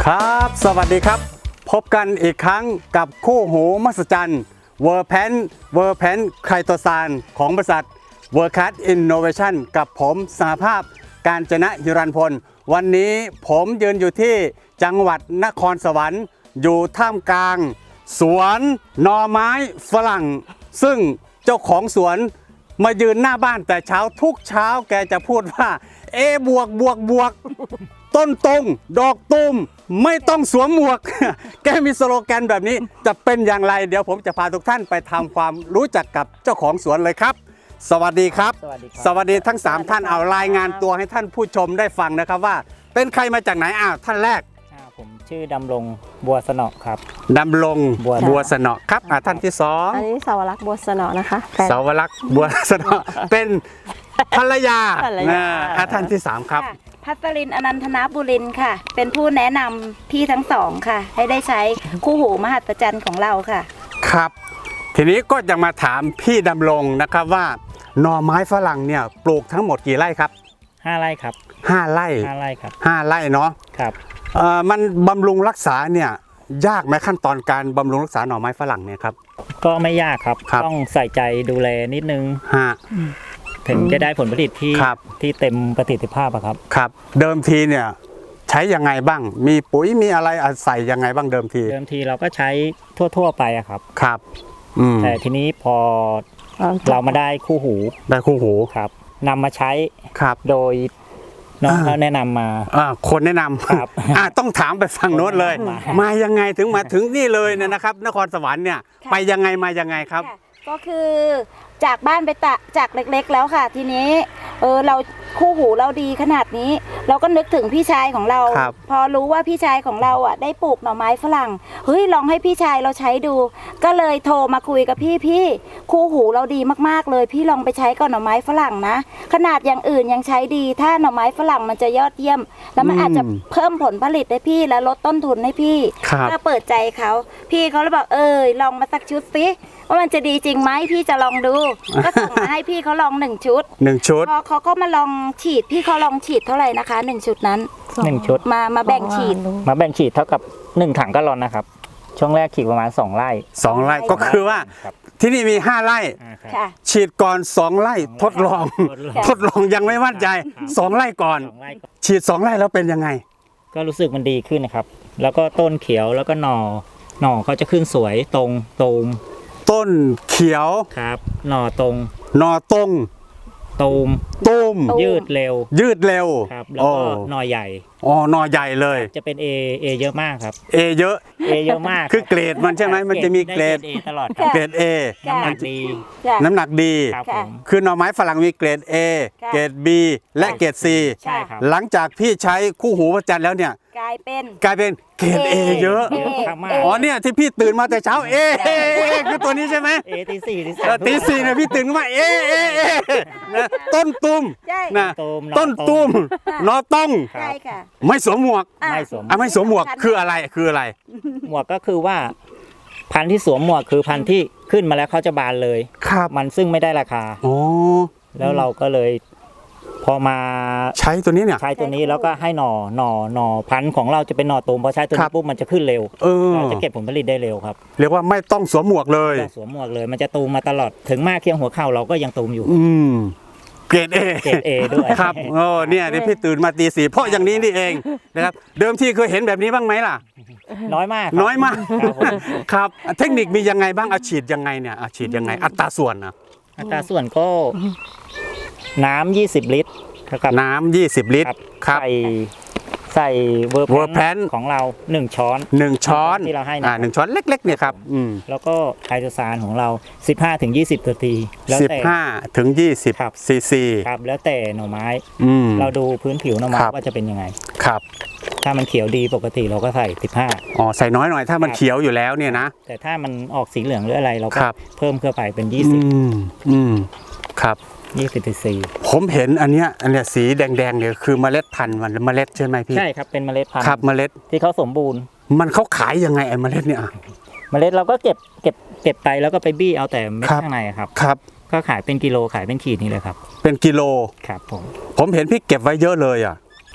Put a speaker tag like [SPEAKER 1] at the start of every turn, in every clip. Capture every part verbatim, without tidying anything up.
[SPEAKER 1] ครับสวัสดีครับพบกันอีกครั้งกับคู่หูมหัศจรรย์เวอร์แพนเวอร์แพนไคโตซานของบริษัทเวอร์คัสอินโนเวชั่นกับผมสหภาพการจนะฮิรันพลวันนี้ผมยืนอยู่ที่จังหวัดนครสวรรค์อยู่ท่ามกลางสวนหน่อไม้ฝรั่งซึ่งเจ้าของสวนมายืนหน้าบ้านแต่เช้าทุกเช้าแกจะพูดว่าเอบวกบวกบวกต้นตรงดอกตูมไม่ต้องสวมหมวก แกมีสโลแกนแบบนี้จะเป็นอย่างไรเดี๋ยวผมจะพาทุกท่านไปทำความรู้จักกับเจ้าของสวนเลยครับ สวัสดีครับ
[SPEAKER 2] สวัสดีครับ
[SPEAKER 1] สวัสดีทั้งสามท่านเอารายงานตัวให้ท่านผู้ชมได้ฟังนะครับว่าเป็นใครมาจากไหนอ้าวท่านแรก
[SPEAKER 2] อ่าผมชื่อดำรงบัวสนอครับ
[SPEAKER 1] ดำรง
[SPEAKER 2] บัว
[SPEAKER 1] บัวสนอครับอ่ะท่านที่สอง
[SPEAKER 3] อันนี้สาวรักษ์บัวสนอนะคะแฟน
[SPEAKER 1] สาวรักษ์บัวสนอเป็นภรรยา
[SPEAKER 3] ภรรยา
[SPEAKER 1] อ่าอ่ะท่านที่สามครับ
[SPEAKER 4] ค่ะพัสรินอนันทนาบุรินทร์ค่ะ เป็นผู้แนะนำพี่ทั้งสองค่ะ ให้ได้ใช้คู่หูมหัศจรรย์ของเราค่ะ
[SPEAKER 1] ครับ ทีนี้ก็จะมาถามพี่ดำรงนะครับว่าหน่อไม้ฝรั่งเนี่ยปลูกทั้งหมดกี่ไร่ครับ
[SPEAKER 2] ห้าไร่ครับ
[SPEAKER 1] ห้าไร่
[SPEAKER 2] ห้าไร่ครับ
[SPEAKER 1] ห้าไร่เนาะ
[SPEAKER 2] ครับ
[SPEAKER 1] เอ่อมันบำรุงรักษาเนี่ยยากไหมขั้นตอนการบำรุงรักษาหน่อไม้ฝรั่งเนี่ยครับ
[SPEAKER 2] ก็ไม่ยากครับ
[SPEAKER 1] ครับ
[SPEAKER 2] ต้องใส่ใจดูแลนิดนึง
[SPEAKER 1] ฮะ
[SPEAKER 2] ถึงจะได้ผลผลิตที่
[SPEAKER 1] ครับ
[SPEAKER 2] ที่เต็มประสิทธิภาพอะครับ
[SPEAKER 1] ครับ เดิมทีเนี่ยใช้ยังไงบ้าง มีปุ๋ยมีอะไรใส่ยังไงบ้างเดิมที
[SPEAKER 2] เดิมทีเราก็ใช้ทั่วๆไปอะครับ
[SPEAKER 1] ครับอืม
[SPEAKER 2] แต่ทีนี้พอเรามาได้คู่หู
[SPEAKER 1] ได้คู่หู
[SPEAKER 2] ครับนำมาใช้
[SPEAKER 1] ครับ
[SPEAKER 2] โดยน้อง
[SPEAKER 1] อ่า
[SPEAKER 2] เขาแนะนำมา
[SPEAKER 1] อ่าคนแนะนำ
[SPEAKER 2] ครับ
[SPEAKER 1] อ่าต้องถามไปฝั่งโน้นเลย
[SPEAKER 2] มา
[SPEAKER 1] มายังไงถึงมาถึงนี่เลยเนี่ยนะครับ นครสวรรค์เนี่ย
[SPEAKER 4] ค่ะ
[SPEAKER 1] ไปยังไงมายังไงครับ
[SPEAKER 4] ค่ะก็คือจากบ้านไปตะจากเล็กๆแล้วค่ะ ทีนี้เออเราคู่หูเราดีขนาดนี้ เราก็นึกถึงพี่ชายของเรา
[SPEAKER 1] ครับ
[SPEAKER 4] พอรู้ว่าพี่ชายของเราอ่ะได้ปลูกหน่อไม้ฝรั่งเฮ้ยลองให้พี่ชายเราใช้ดู ก็เลยโทรมาคุยกับพี่พี่คู่หูเราดีมากๆเลย พี่ลองไปใช้กับหน่อไม้ฝรั่งนะ ขนาดอย่างอื่นยังใช้ดี ถ้าหน่อไม้ฝรั่งมันจะยอดเยี่ยม แล้วมันอาจจะเพิ่มผลผลิตให้พี่และลดต้นทุนให้พี่
[SPEAKER 1] ครับ
[SPEAKER 4] ก็เปิดใจเขาพี่เขาเลยบอกเออลองมาสักชุดสิว่ามันจะดีจริงไหมพี่จะลองดู ก็ส่งมาให้พี่เขาลองหนึ่งชุด
[SPEAKER 1] หนึ่งชุด
[SPEAKER 4] พอเขาก็มาลองฉีดพี่เขาลองฉีดเท่าไหร่นะคะหนึ่งชุดนั้น
[SPEAKER 2] หนึ่งชุด
[SPEAKER 4] มามาแบ่งฉีด
[SPEAKER 2] มาแบ่งฉีดเท่ากับหนึ่งถังกะลอนนะครับ ช่วงแรกฉีดประมาณสองไร่
[SPEAKER 1] สองไร่ก็คือว่า
[SPEAKER 2] ครับ
[SPEAKER 1] ที่นี่มีห้าไร่
[SPEAKER 2] อ่าครับ
[SPEAKER 4] ค่ะ
[SPEAKER 1] ฉีดก่อนสองไร่ทดลอง
[SPEAKER 2] ทดลอง
[SPEAKER 1] ทดลองยังไม่มั่นใจสองไร่ก่อน
[SPEAKER 2] สองไร่ก็
[SPEAKER 1] ฉีดสองไร่แล้วเป็นยังไง
[SPEAKER 2] ก็รู้สึกมันดีขึ้นนะครับ แล้วก็ต้นเขียวแล้วก็หน่อ หน่อเขาจะขึ้นสวยตรงตูม
[SPEAKER 1] ต้นเขียว
[SPEAKER 2] ครับ หน่อตรง
[SPEAKER 1] หนอตรง
[SPEAKER 2] ตูม
[SPEAKER 1] ตูม
[SPEAKER 4] ตูม
[SPEAKER 2] ยืดเร็ว
[SPEAKER 1] ยืดเร็ว
[SPEAKER 2] ครับ แล้ว
[SPEAKER 1] โอ้
[SPEAKER 2] ก็หน่อใหญ่
[SPEAKER 1] อ๋อหนอใหญ่เลย
[SPEAKER 2] จะเป็นเอเอเยอะมากครับ
[SPEAKER 1] เอเยอะ
[SPEAKER 2] เอเยอะมาก
[SPEAKER 1] คือเกรดมันใช่ไหมมันจะมีเกรด
[SPEAKER 2] ไเอตลอดครับ
[SPEAKER 1] เกรด A
[SPEAKER 2] น้ำหนักดี
[SPEAKER 4] ค่ะ
[SPEAKER 1] น้ำหนักดี
[SPEAKER 2] ครับผ
[SPEAKER 4] ค่ะ
[SPEAKER 2] ม
[SPEAKER 1] คือหน่อไม้ฝรั่งมีเกรด A
[SPEAKER 4] ค่ะ
[SPEAKER 1] เกรด B และเกรด C
[SPEAKER 2] ใช่ครับ
[SPEAKER 1] หลังจากพี่ใช้คู่หูพระจันทร์แล้วเนี่ย
[SPEAKER 4] กลายเป็น
[SPEAKER 1] กลายเป็นเกรด A เยอะ
[SPEAKER 4] เอ
[SPEAKER 2] มาก
[SPEAKER 4] เอ
[SPEAKER 1] อ๋อเนี่ยที่พี่ตื่นมาแต่เช้า A A A คือตัวนี้ใช่ไหม
[SPEAKER 2] เอตีสี่ตี
[SPEAKER 1] เออ
[SPEAKER 2] สาม
[SPEAKER 1] ตีสี่เนี่ยพี่ตื่นขึ้นมาเอเอเอนะต้นตุ้ม
[SPEAKER 4] ใช่
[SPEAKER 1] นะ
[SPEAKER 2] ตูมหอ
[SPEAKER 1] ต้นตุ้มนอต้อง
[SPEAKER 4] ใช่ค่ะ
[SPEAKER 1] ไม่สวมหมวก
[SPEAKER 4] อ่ะ
[SPEAKER 2] ไม่สวม
[SPEAKER 1] อ่ะไม่สวมหมวกคืออะไรคืออะไร
[SPEAKER 2] หมวกก็คือว่า พันธุ์ที่สวมหมวกคือพันธุ์ที่ขึ้นมาแล้วเขาจะบานเลย
[SPEAKER 1] ครับ
[SPEAKER 2] มันซึ่งไม่ได้ราคา
[SPEAKER 1] อ๋อ
[SPEAKER 2] แล้วเราก็เลย พอมา
[SPEAKER 1] ใช้ตัวนี้เนี่ย
[SPEAKER 2] ใช้ตัวนี้แล้วก็ให้หน่อหน่อหน่อพันธุ์ของเราจะเป็นหน่อตูมพอใช้ตัว
[SPEAKER 1] ครั
[SPEAKER 2] นี้
[SPEAKER 1] บ
[SPEAKER 2] ปุ๊บมันจะขึ้นเร็ว
[SPEAKER 1] เออ
[SPEAKER 2] เราจะเก็บผลผลิตได้เร็วครับ
[SPEAKER 1] เรียกว่าไม่ต้องสวมหมวกเลย
[SPEAKER 2] ต้องสวมหมวกเลย มันจะตูมมาตลอดถึงมากเคียงหัวเข่าเราก็ยังตูมอยู่
[SPEAKER 1] อืมเกรดเอ
[SPEAKER 2] เกรด A ด้วย
[SPEAKER 1] ครับโอ้เนี่ยที่พี่ตื่นมาตีสี่เพราะอย่างนี้นี่เองนะครับเดิมทีเคยเห็นแบบนี้บ้างไหมล่ะ
[SPEAKER 2] น้อยมากครับ
[SPEAKER 1] น้อยมาก
[SPEAKER 2] ครับผม
[SPEAKER 1] ครับเทคนิคมียังไงบ้างเอาฉีดยังไงเนี่ยเอาฉีดยังไงอัตราส่วนนะ
[SPEAKER 2] อัตราส่วนก็น้ำยี่สิบลิตรเท่ากับ
[SPEAKER 1] น้ำยี่สิบลิตรครับ
[SPEAKER 2] ใส่ใส่เวอร์
[SPEAKER 1] World
[SPEAKER 2] แพ
[SPEAKER 1] Pan
[SPEAKER 2] นของเราหนึ่งช้อน
[SPEAKER 1] หนึ่งช้อน
[SPEAKER 2] ที่เราให้นะ
[SPEAKER 1] อ่าหนึ่งช้อนเล็กๆเนี่ยครับอืม
[SPEAKER 2] แล้วก็ไคโตซานของเรา สิบห้าถึงยี่สิบนาทีแล้ว
[SPEAKER 1] สิบ
[SPEAKER 2] แต่
[SPEAKER 1] ห้าถึงยี่สิบ
[SPEAKER 2] ครับ
[SPEAKER 1] ซีซี
[SPEAKER 2] ครับแล้วแต่หน่อไม้
[SPEAKER 1] อืม
[SPEAKER 2] เราดูพื้นผิวหน่อไม้
[SPEAKER 1] ครับ
[SPEAKER 2] ว่าจะเป็นยังไง
[SPEAKER 1] ครับ
[SPEAKER 2] ถ้ามันเขียวดีปกติเราก็ใส่สิบห้า
[SPEAKER 1] อ๋อใส่น้อยหน่อยถ้ามัน
[SPEAKER 2] ครับ
[SPEAKER 1] เขียวอยู่แล้วเนี่ยนะ
[SPEAKER 2] แต่ถ้ามันออกสีเหลืองหรืออะไรเราก็
[SPEAKER 1] ครับ
[SPEAKER 2] เพิ่มเข้าไปเป็น
[SPEAKER 1] อื
[SPEAKER 2] ยี่สิบ
[SPEAKER 1] มอืมครับ
[SPEAKER 2] ยี่สิบซีซี
[SPEAKER 1] ผมเห็นอันเนี้ยอันเนี้ยสีแดงๆเนี่ยคือเมล็ดพันธุ์มันเมล็ดใช่ไหมพี่
[SPEAKER 2] ใช่ครับเป็นเมล็ดพัน
[SPEAKER 1] ครับ
[SPEAKER 2] ธุ์
[SPEAKER 1] เมล็ด
[SPEAKER 2] ที่เขาสมบูรณ์
[SPEAKER 1] มันเขาขายยังไงไอ้เมล็ดเนี่ยอ่ะ
[SPEAKER 2] เมล็ดเราก็เก็บเก็บเก็บไปแล้วก็ไปบี้เอาแต่เม็ด
[SPEAKER 1] ครับ
[SPEAKER 2] ข้างในอะครับ
[SPEAKER 1] ครับ
[SPEAKER 2] ก็ขายเป็นกิโลขายเป็นขีดนี่เลยครับ
[SPEAKER 1] เป็นกิโล
[SPEAKER 2] ครับผม
[SPEAKER 1] ผมเห็นพี่เก็บไว้เยอะเลยอ่ะ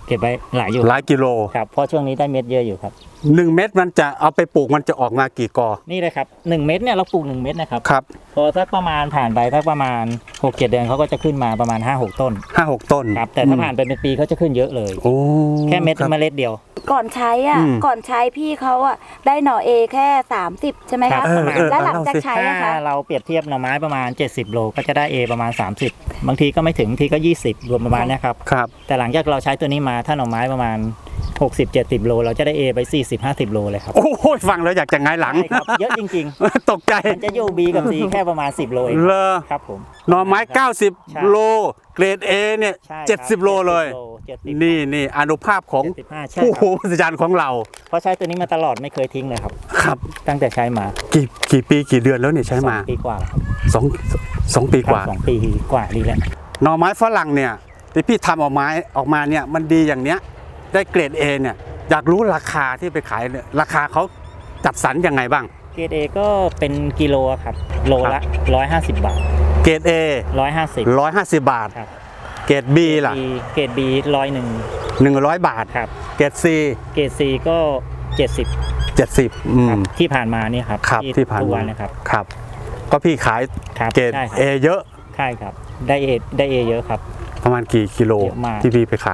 [SPEAKER 2] เก็บไว้หลายอยู่
[SPEAKER 1] หลายกิโล
[SPEAKER 2] ครับเพราะช่วงนี้ได้เม็ดเยอะอยู่ครับ
[SPEAKER 1] หนึ่งเม็ดมันจะเอาไปปลูกมันจะออกมากี่กอ
[SPEAKER 2] นี่เลยครับหนึ่งเม็ดเนี่ยเราปลูกหนึ่งเม็ดนะครับ
[SPEAKER 1] ครับ
[SPEAKER 2] พอสักประมาณผ่านไปสักประมาณหกเจ็ดเดือนเขาก็จะขึ้นมาประมาณห้าหกต้น
[SPEAKER 1] ห้าหกต้น
[SPEAKER 2] ครับแต่ถ้าผ่านไปเป็นปีเขาจะขึ้นเยอะเลย
[SPEAKER 1] โอ้
[SPEAKER 2] แค่เม็ด
[SPEAKER 1] ครับ
[SPEAKER 2] เมล็ดเดียว
[SPEAKER 4] ก่อนใช้อ่ะ
[SPEAKER 1] อืม
[SPEAKER 4] ก่อนใช้พี่เขาอ่ะได้หน่อเอแค่สามสิบใช่ไหม
[SPEAKER 2] ครั
[SPEAKER 4] คะ
[SPEAKER 2] บ
[SPEAKER 1] เออเออ
[SPEAKER 4] แล้วหลัง
[SPEAKER 1] เล่า
[SPEAKER 4] จาก
[SPEAKER 1] สิ
[SPEAKER 4] ใช้
[SPEAKER 2] ถ้า
[SPEAKER 4] อะคะ
[SPEAKER 2] เราเปรียบเทียบหน่อไม้ประมาณเจ็ดสิบโลก็จะได้ A ประมาณสามสิบบางทีก็ไม่ถึงบางทีก็ยี่สิบรวมประมาณเนี้ยครับ
[SPEAKER 1] ครับ
[SPEAKER 2] แต่หลังจากเราใช้ตัวนี้มาถ้าหน่อไม้ประมาณหกสิบ เจ็ดสิบโลเราจะได้ A ไปสี่สิบ ห้าสิบโลเลยครับ
[SPEAKER 1] โอ้โหฟังแล้วอยากจะหงายหลัง
[SPEAKER 2] ใช่ครับเยอะจริง
[SPEAKER 1] ตกใจ
[SPEAKER 2] ๆมันจะอยู่ B กับ C แค่ประมาณสิบโลเอง
[SPEAKER 1] เลอ
[SPEAKER 2] ครับผม
[SPEAKER 1] หน่อไม้ เก้าสิบ
[SPEAKER 2] ใช่
[SPEAKER 1] โล เกรด A เนี่ย
[SPEAKER 2] ใช่ครับ
[SPEAKER 1] เจ็ดสิบโลเลย
[SPEAKER 2] เจ็ดสิบ
[SPEAKER 1] นี่นี่อนุภาพของ
[SPEAKER 2] เจ็ดสิบห้าใช่
[SPEAKER 1] ผู้
[SPEAKER 2] ค
[SPEAKER 1] โห
[SPEAKER 2] รับ
[SPEAKER 1] มหัศจรรย์ของเรา
[SPEAKER 2] เพราะใช้ตัวนี้มาตลอดไม่เคยทิ้งเลยครับ
[SPEAKER 1] ครับ
[SPEAKER 2] ตั้งแต่ใช้มา
[SPEAKER 1] กี่กี่ปีกี่เดือนแล้วเนี่ยใช้มา
[SPEAKER 2] สองปีกว่าแล้วครับ
[SPEAKER 1] สองสองปีกว่า
[SPEAKER 2] สองปีกว่าดีแล้ว
[SPEAKER 1] หน่อไม้ฝรั่งเนี่ยที่พี่ทำออกไม้ออกมาเนี่ยมันดีอย่างเนี้ยได้เกรด A เนี่ยอยากรู้ราคาที่ไปขายเนี่ยราคาเขาจัดสรรยังไงบ้าง
[SPEAKER 2] เกรด A ก็เป็นกิโลครับโลละร้อยห้าสิบบาท
[SPEAKER 1] เกรด A
[SPEAKER 2] ร้อยห้าสิบ
[SPEAKER 1] ร้อยห้าสิบบาท
[SPEAKER 2] ครับ
[SPEAKER 1] เกรด B ล่ะ
[SPEAKER 2] เกรด B ร้อยหนึ่ง
[SPEAKER 1] หนึ่งร้อยบาท
[SPEAKER 2] ครับ
[SPEAKER 1] เกรด C
[SPEAKER 2] เกรด C ก็เจ็ดสิบ
[SPEAKER 1] เจ็ดสิบอื
[SPEAKER 2] ครับ
[SPEAKER 1] ม
[SPEAKER 2] ที่ผ่านมานี่ครับ
[SPEAKER 1] ครับที่ผ่าน
[SPEAKER 2] ทุก
[SPEAKER 1] มา
[SPEAKER 2] วันนะครับ
[SPEAKER 1] ครับ ก็พี่ขาย
[SPEAKER 2] ครับ
[SPEAKER 1] เกรด
[SPEAKER 2] ใช่ครับ
[SPEAKER 1] A เยอะ
[SPEAKER 2] ใช่ครับได้ A ได้ A เยอะครับ
[SPEAKER 1] ประมาณกี่กิโล
[SPEAKER 2] เยอะมาก
[SPEAKER 1] ที่พี่ไปขาย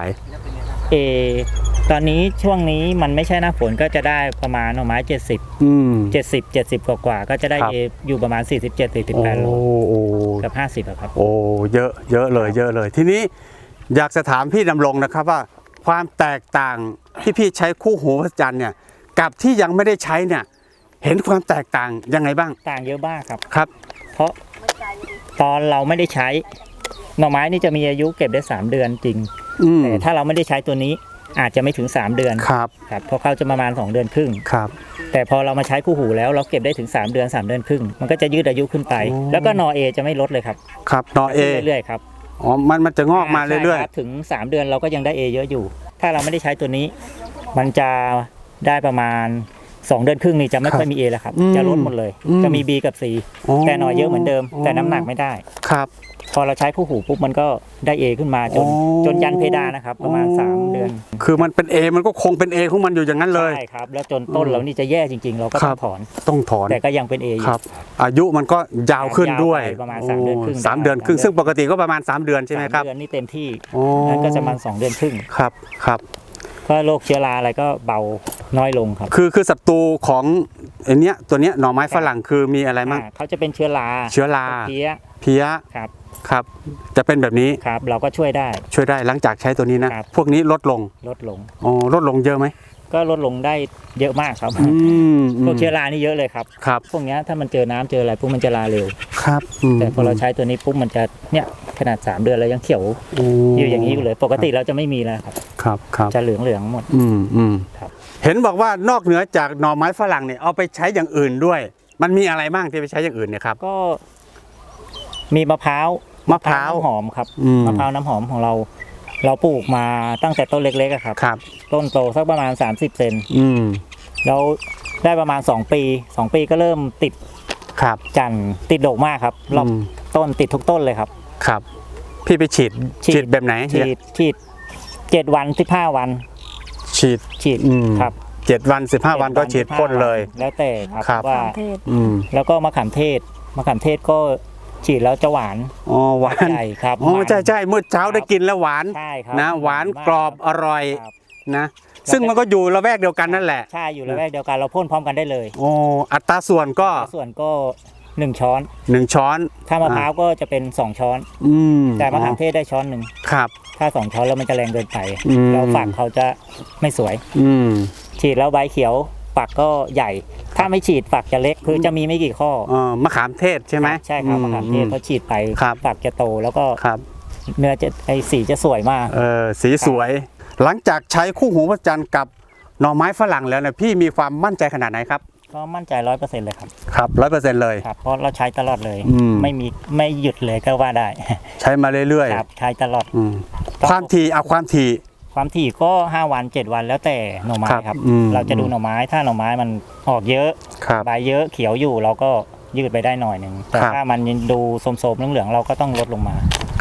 [SPEAKER 2] A ตอนนี้ช่วงนี้มันไม่ใช่หน้าฝนก็จะได้ประมาณหน่อไม้เจ็ดสิบ
[SPEAKER 1] อืม
[SPEAKER 2] เจ็ดสิบ เจ็ดสิบกว่าๆก็จะได้
[SPEAKER 1] ครับ
[SPEAKER 2] A อยู่ประมาณสี่สิบเจ็ด สี่สิบ
[SPEAKER 1] โอ้
[SPEAKER 2] แปดโล
[SPEAKER 1] โอ้
[SPEAKER 2] เกับห้าสิบอะครับ
[SPEAKER 1] โอ้เยอะเยอะเลยเยอะเลย ทีนี้อยากจะถามพี่ดำรงนะครับว่าความแตกต่างที่พี่ใช้คู่หูพระจันทร์เนี่ยกับที่ยังไม่ได้ใช้เนี่ยเห็นความแตกต่างยังไงบ้าง
[SPEAKER 2] ต่างเยอะมากครับ
[SPEAKER 1] ครับ
[SPEAKER 2] เพราะตอนเราไม่ได้ใช้หน่อไม้นี่จะมีอายุเก็บได้สามเดือนจริง
[SPEAKER 1] อืม
[SPEAKER 2] แต่ถ้าเราไม่ได้ใช้ตัวนี้อาจจะไม่ถึงสามเดือน
[SPEAKER 1] ครับ
[SPEAKER 2] ครับเพราะเขาจะประมาณสองเดือนครึ่ง
[SPEAKER 1] ครับ
[SPEAKER 2] แต่พอเรามาใช้คู่หูแล้วเราเก็บได้ถึงสามเดือนสามเดือนครึ่งมันก็จะยืดอายุขึ้นไป
[SPEAKER 1] โอ้
[SPEAKER 2] แล้วก็นอเอจะไม่ลดเลยครับ
[SPEAKER 1] ครับนอเอ
[SPEAKER 2] เรื่อยๆครับ
[SPEAKER 1] อ๋อมันมันจะงอกมาเรื่อย
[SPEAKER 2] ใช่คบถึงสามเดือนเราก็ยังได้ A เยอะอยู่ ถ้าเราไม่ได้ใช้ตัวนี้ มันจะได้ประมาณสองเดือนครึ่งนี่จะไม่ค่อยมี A แล้วครับ
[SPEAKER 1] อืม
[SPEAKER 2] จะลดหมดเลย
[SPEAKER 1] อืม
[SPEAKER 2] จะมี B กับ C
[SPEAKER 1] อ๋อ
[SPEAKER 2] แต่หน่อยเยอะเหมือนเดิม แต่น้ำหนักไม่ได้
[SPEAKER 1] ครับ
[SPEAKER 2] พอเราใช้คู่หูปุ๊บมันก็ได้ A ขึ้นมาจน
[SPEAKER 1] อ๋อ
[SPEAKER 2] จนยันเพดานนะครับ ประมาณ
[SPEAKER 1] อ๋อ
[SPEAKER 2] สามเดือน
[SPEAKER 1] คือมันเป็น A มันก็คงเป็น A ของมันอยู่อย่างนั้นเลย
[SPEAKER 2] ใช่ครับแล้วจนต้นเรานี่จะแย่จริง ๆ เราก็
[SPEAKER 1] ค
[SPEAKER 2] ต้
[SPEAKER 1] รั
[SPEAKER 2] อบ งถอน
[SPEAKER 1] ต้องถอน
[SPEAKER 2] แต่ก็ยังเป็น A อยู่
[SPEAKER 1] ครับ อายุมันก็ยาวขึ้นด้วย
[SPEAKER 2] ยาวไปประมาณสามเดือนครึ่ง
[SPEAKER 1] โสามเดือนครึ่ง
[SPEAKER 2] ได้
[SPEAKER 1] ซึ่งปกติก็ประมาณสามเดือนใช่ไหมครับ
[SPEAKER 2] สาเดือนนี่เต็มที่
[SPEAKER 1] อ๋อ
[SPEAKER 2] นั้นก็จะประมาณสองเดือนครึ่ง
[SPEAKER 1] ครับครับ
[SPEAKER 2] ก็โรคเชื้อราอะไรก็เบาน้อยลงครับ
[SPEAKER 1] คือคือศัตรูของไอเนี้ยตัวเนี้ยหน่อไม้ฝรั่งคือมีอะไรมั่ง
[SPEAKER 2] อ่าเขาจะเป็นเชื้อรา
[SPEAKER 1] เชื้อรา
[SPEAKER 2] เพี้ย
[SPEAKER 1] เพี้ย
[SPEAKER 2] ครับ
[SPEAKER 1] ครับ จะเป็นแบบนี้
[SPEAKER 2] ครับ เราก็ช่วยได้
[SPEAKER 1] ช่วยได้หลังจากใช้ตัวนี้นะ
[SPEAKER 2] ครับ
[SPEAKER 1] พวกนี้ลดลง
[SPEAKER 2] ลดลง
[SPEAKER 1] อ๋อลดลงเยอะไหม
[SPEAKER 2] ก็ลดลงได้เยอะมากครับ
[SPEAKER 1] อืม
[SPEAKER 2] พวกเชื้อรานี่เยอะเลยครับ
[SPEAKER 1] ครับ
[SPEAKER 2] พวกเนี้ยถ้ามันเจอน้ำเจออะไรพวกมันจะลาเร็ว
[SPEAKER 1] ครับม
[SPEAKER 2] แต่พอเราใช้ตัวนี้ปุ๊บมันจะเนี่ยขนาดสามเดือนแล้วยังเขียว
[SPEAKER 1] โอ้
[SPEAKER 2] อยู่อย่างนี้อยู่เลย ปกติเราจะไม่มีแล้วครับ
[SPEAKER 1] ครับครับ
[SPEAKER 2] จะเหลืองเหลืองๆหมด
[SPEAKER 1] อืมอืม
[SPEAKER 2] ครับ
[SPEAKER 1] เห็นบอกว่านอกเหนือจากหน่อไม้ฝรั่งเนี่ยเอาไปใช้อย่างอื่นด้วย มันมีอะไรบ้างที่ไปใช้อย่างอื่นเนี่ยครับ
[SPEAKER 2] ก็มีมะพร้าว
[SPEAKER 1] มะพร้าว
[SPEAKER 2] น้ำหอมครับ
[SPEAKER 1] อืม
[SPEAKER 2] มะพร้าวน้ำหอมของเรา เราปลูกมาตั้งแต่ต้นเล็กๆอะครับ
[SPEAKER 1] ครับ
[SPEAKER 2] ต้นโตสักประมาณสามสิบเซน
[SPEAKER 1] อืม
[SPEAKER 2] แล้วได้ประมาณสองปีสองปีก็เริ่มติด
[SPEAKER 1] ครับ
[SPEAKER 2] จันทร์ติดดอกมากครับรอบ
[SPEAKER 1] อืม
[SPEAKER 2] ต้นติดทุกต้นเลยครับ
[SPEAKER 1] ครับ พี่ไปฉีด
[SPEAKER 2] ฉีด
[SPEAKER 1] ฉีดแบบไหน
[SPEAKER 2] ฉีดฉีดเจ็ดวันสิบห้าวัน
[SPEAKER 1] ฉีด
[SPEAKER 2] ฉีด
[SPEAKER 1] อืม
[SPEAKER 2] ครับ
[SPEAKER 1] เจ็ดวันสิบห้าวันก็ฉีดพ่นเลย
[SPEAKER 2] แล้วแต่ครับ
[SPEAKER 1] ครับ
[SPEAKER 2] ว่า
[SPEAKER 3] เทศ
[SPEAKER 1] อืม
[SPEAKER 2] แล้วก็มะขามเทศมะขามเทศก็ฉีดแล้วจะหวาน
[SPEAKER 1] อ๋อหวาน
[SPEAKER 2] ใช่ครับ
[SPEAKER 1] อ๋อ
[SPEAKER 2] มัน
[SPEAKER 1] ใช่ใช่เมื่อเช้าได้กินแล้วหวาน
[SPEAKER 2] ใช่ครับ
[SPEAKER 1] นะหวาน
[SPEAKER 2] ม
[SPEAKER 1] กรอบอร่อย
[SPEAKER 2] ครับ
[SPEAKER 1] นะ ซึ่งมันก็อยู่ละแวกเดียวกันนั่นแหละ
[SPEAKER 2] ใช่อยู่ระแวกเดียวกันเราพ่นพร้อมกันได้เลย
[SPEAKER 1] โอ้อัตราส่วนก็
[SPEAKER 2] ส่วนก็หนึ่งช้อน
[SPEAKER 1] หนึ่งช้อน
[SPEAKER 2] ถ้ามะพร้าวก็จะเป็นสองช้อน
[SPEAKER 1] อืม
[SPEAKER 2] แต่มะขามเทศได้ช้อนหนึ่ง
[SPEAKER 1] ครับ
[SPEAKER 2] ถ้าสองช้อนแล้วมันจะแรงเกินไป
[SPEAKER 1] อืม
[SPEAKER 2] แล้วฝักเขาจะไม่สวย
[SPEAKER 1] อืม
[SPEAKER 2] ฉีดแล้วใบเขียวฝักก็ใหญ่ ถ้าไม่ฉีดฝักจะเล็กคือจะมีไม่กี่ข้อ
[SPEAKER 1] เออมะขามเทศใช่ไหม
[SPEAKER 2] ใช่ครับมะขามเทศ
[SPEAKER 1] อื
[SPEAKER 2] เขาฉีดไป
[SPEAKER 1] ครับ
[SPEAKER 2] ฝักจะโตแล้วก็
[SPEAKER 1] ครับ
[SPEAKER 2] เนื้อจะไอสีจะสวยมาก
[SPEAKER 1] เออสีสวย หลังจากใช้คู่หูพระจันทร์กับหน่อไม้ฝรั่งแล้วเนี่ยพี่มีความมั่นใจขนาดไหนครับ
[SPEAKER 2] ก็มั่นใจร้อยเปอร์เซ็นต์เลยครับ
[SPEAKER 1] ครับร้อยเปอร์เซ็นต์เลย
[SPEAKER 2] ครับเพราะเราใช้ตลอดเลย
[SPEAKER 1] อืม
[SPEAKER 2] ไม่มีไม่หยุดเลยก็ว่าได้
[SPEAKER 1] ใช้มาเรื่อย
[SPEAKER 2] ครับใช้ตลอด
[SPEAKER 1] ๆอืมความถี่เอาความถี่
[SPEAKER 2] ความถี่ก็ห้าวันเจ็ดวันแล้วแต่หน่อไม้
[SPEAKER 1] ครับ
[SPEAKER 2] ครับ
[SPEAKER 1] อืม
[SPEAKER 2] เราจะดูหน่อไม้ถ้าหน่อไม้มันออกเยอะ
[SPEAKER 1] ครับ
[SPEAKER 2] ใบเยอะเขียวอยู่เราก็ยืดไปได้หน่อยหนึ่งแต่
[SPEAKER 1] ครับ
[SPEAKER 2] ถ้ามันดูโสมๆเหลืองๆเราก็ต้องลดลงมา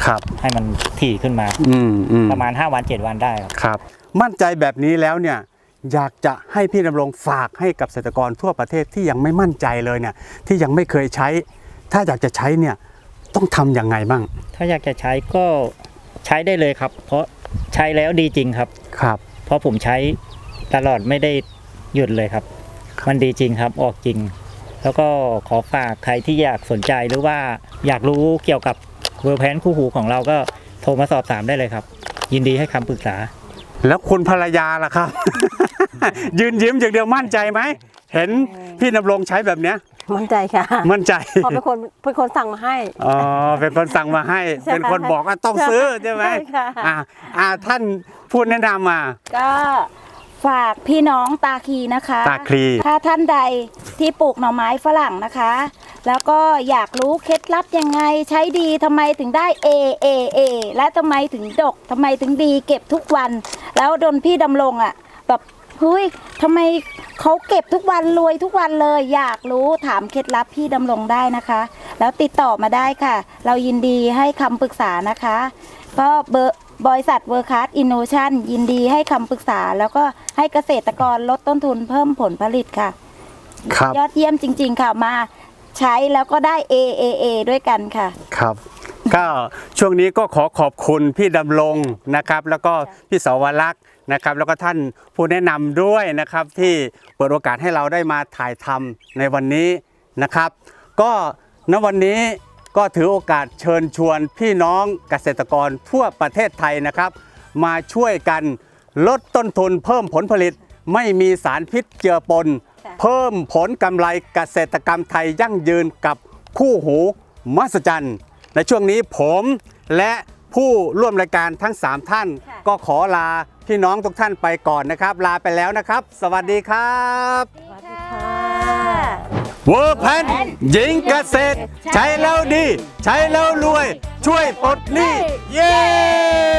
[SPEAKER 1] ครับ
[SPEAKER 2] ให้มันถี่ขึ้นมา
[SPEAKER 1] อืมอืม
[SPEAKER 2] ประมาณห้าวันเจ็ดวันได้ครับ
[SPEAKER 1] ครับ มั่นใจแบบนี้แล้วเนี่ยอยากจะให้พี่ดำรงฝากให้กับเกษตรกรทั่วประเทศที่ยังไม่มั่นใจเลยเนี่ยที่ยังไม่เคยใช้ ถ้าอยากจะใช้เนี่ยต้องทำยังไงบ้าง
[SPEAKER 2] ถ้าอยากจะใช้ก็ใช้ได้เลยครับ เพราะใช้แล้วดีจริงครับ
[SPEAKER 1] ครับ
[SPEAKER 2] เพราะผมใช้ตลอดไม่ได้หยุดเลยครับ มันดีจริงครับออกจริง แล้วก็ขอฝากใครที่อยากสนใจหรือว่าอยากรู้เกี่ยวกับเวอร์แพนคู่หูของเราก็โทรมาสอบถามได้เลยครับ ยินดีให้คำปรึกษา
[SPEAKER 1] แล้วคุณภรรยาล่ะครับ ยืนยิ้มอย่างเดียวมั่นใจไหมเห็นพี่ดำรงใช้แบบเนี้ย
[SPEAKER 3] มั่นใจค่ะ
[SPEAKER 1] มั่นใจ
[SPEAKER 3] เพอเป็นคนเป็นคนสั่งมาให้
[SPEAKER 1] อ๋อเป็นคนสั่งมาให้
[SPEAKER 3] ใช่
[SPEAKER 1] เป็นคนบอกว่าต้องซื้อใช่ไหม
[SPEAKER 3] ใช่ค่ะ
[SPEAKER 1] อ่าอ่าท่านพูดแนะนำมา
[SPEAKER 4] ก็ฝากพี่น้องตาคีนะคะ
[SPEAKER 1] ตาคลี
[SPEAKER 4] ถ้าท่านใดที่ปลูกหน่อไม้ฝรั่งนะคะ แล้วก็อยากรู้เคล็ดลับยังไงใช้ดีทำไมถึงได้ A A A และทำไมถึงดกทำไมถึงดีเก็บทุกวัน แล้วโดนพี่ดำรงอ่ะแบบเฮ้ยทำไมเขาเก็บทุกวันรวยทุกวันเลย อยากรู้ถามเคล็ดลับพี่ดำรงได้นะคะ แล้วติดต่อมาได้ค่ะ เรายินดีให้คำปรึกษานะคะ ก็เบอร์บริษัทเวอร์คัสอินโนชันยินดีให้คำปรึกษา แล้วก็ให้เกษตรกรลดต้นทุนเพิ่มผลผลิตค่ะ
[SPEAKER 1] ครับ
[SPEAKER 4] ยอดเยี่ยมจริง ๆ ค่ะมาใช้แล้วก็ได้ A A A ด้วยกันค่ะ
[SPEAKER 1] ครับ ก็ช่วงนี้ก็ขอขอบคุณพี่ดำรงนะครับ แล้วก็พี่สวรักษ์นะครับ แล้วก็ท่านผู้แนะนำด้วยนะครับ ที่เปิดโอกาสให้เราได้มาถ่ายทำในวันนี้นะครับ ก็ณวันนี้ก็ถือโอกาสเชิญชวนพี่น้องเกษตรกรทั่วประเทศไทยนะครับ มาช่วยกันลดต้นทุนเพิ่มผลผลิต ไม่มีสารพิษเจือปน
[SPEAKER 4] ค่ะ
[SPEAKER 1] เพิ่มผลกำไรเกษตรกรรมไทยยั่งยืนกับคู่หูมหัศจรรย์ในช่วงนี้ผมและผู้ร่วมรายการทั้งสามท่าน
[SPEAKER 4] ค่ะ
[SPEAKER 1] ก็ขอลาพี่น้องทุกท่านไปก่อนนะครับ ลาไปแล้วนะครับ สวัสดีครับ
[SPEAKER 3] สวัสดีค่ะ
[SPEAKER 1] เวอร์แพนหญิงเกษตร ใช้แล้วดี ใช้แล้วรวย ช่วยปลดหนี้เย้